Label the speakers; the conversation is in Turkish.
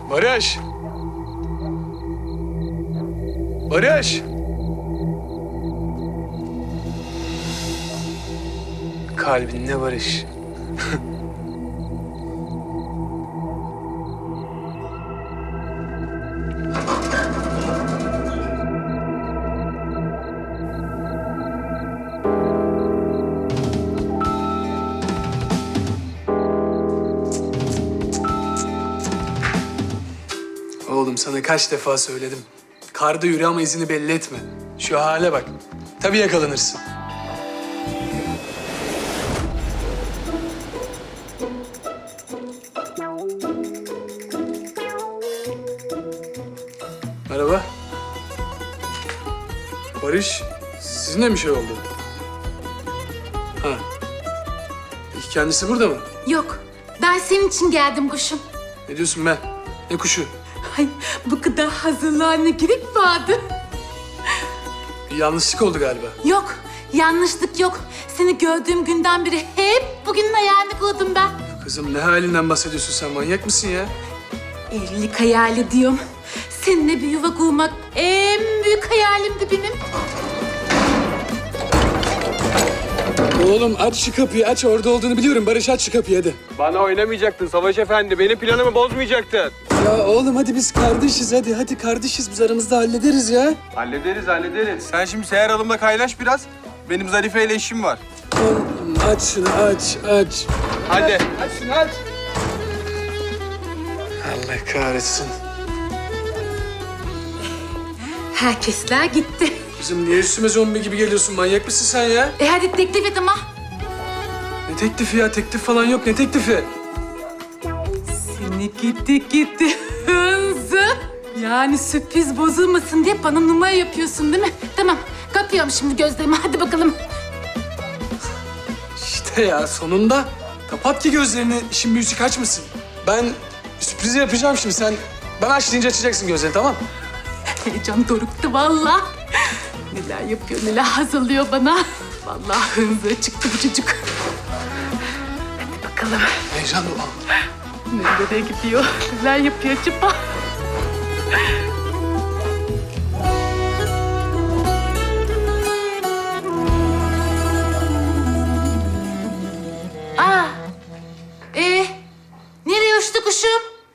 Speaker 1: Barış! Barış! Kalbinle barış. Oğlum sana kaç defa söyledim. Karda yürü ama izini belli etme. Şu hale bak. Tabii yakalanırsın. Merhaba. Barış, sizinle mi şey oldu? Ha. Peki kendisi burada mı?
Speaker 2: Yok, ben senin için geldim kuşum.
Speaker 1: Ne diyorsun be? Ne kuşu?
Speaker 2: Ay, bu kadar hazırlığa ne gerek vardı?
Speaker 1: Bir yanlışlık oldu galiba.
Speaker 2: Yok, yanlışlık yok. Seni gördüğüm günden beri hep bugünün hayalini kurdum ben.
Speaker 1: Kızım ne halinden bahsediyorsun sen? Manyak mısın ya?
Speaker 2: Evlilik hayali diyorum. Seninle bir yuva kurmak en büyük hayalimdi benim.
Speaker 1: Oğlum aç şu kapıyı aç. Orada olduğunu biliyorum. Barış aç şu kapıyı hadi.
Speaker 3: Bana oynamayacaktın Savaş Efendi. Benim planımı bozmayacaktın.
Speaker 1: Ya oğlum hadi biz kardeşiz hadi. Hadi kardeşiz biz aramızda hallederiz ya.
Speaker 3: Hallederiz. Sen şimdi Seher Hanım'la kaynaş biraz. Benim Zarife ile işim var.
Speaker 1: Oğlum aç şunu aç.
Speaker 3: Hadi.
Speaker 1: Aç şunu aç. Allah kahretsin.
Speaker 2: Herkesler gitti.
Speaker 1: Kızım niye üstüme zombi gibi geliyorsun? Manyak mısın sen ya?
Speaker 2: Hadi teklif et ama.
Speaker 1: Ne teklifi ya? Teklif falan yok. Ne teklifi?
Speaker 2: Seni gitti hınzı. Yani sürpriz bozulmasın diye bana numara yapıyorsun değil mi? Tamam, kapıyorum şimdi gözlerimi. Hadi bakalım.
Speaker 1: İşte ya sonunda. Kapat ki gözlerini. İşin büyüsü kaçmasın. Ben sürprizi yapacağım şimdi. Sen ben aç deyince açacaksın gözlerini tamam mı?
Speaker 2: Heyecan doruktu vallahi. Neler yapıyor, neler hazırlıyor bana. Vallahi hınzı çıktı bu çocuk. Hadi bakalım.
Speaker 1: Heyecan dolu.
Speaker 2: Nereye gidiyor, neler yapıyor acaba?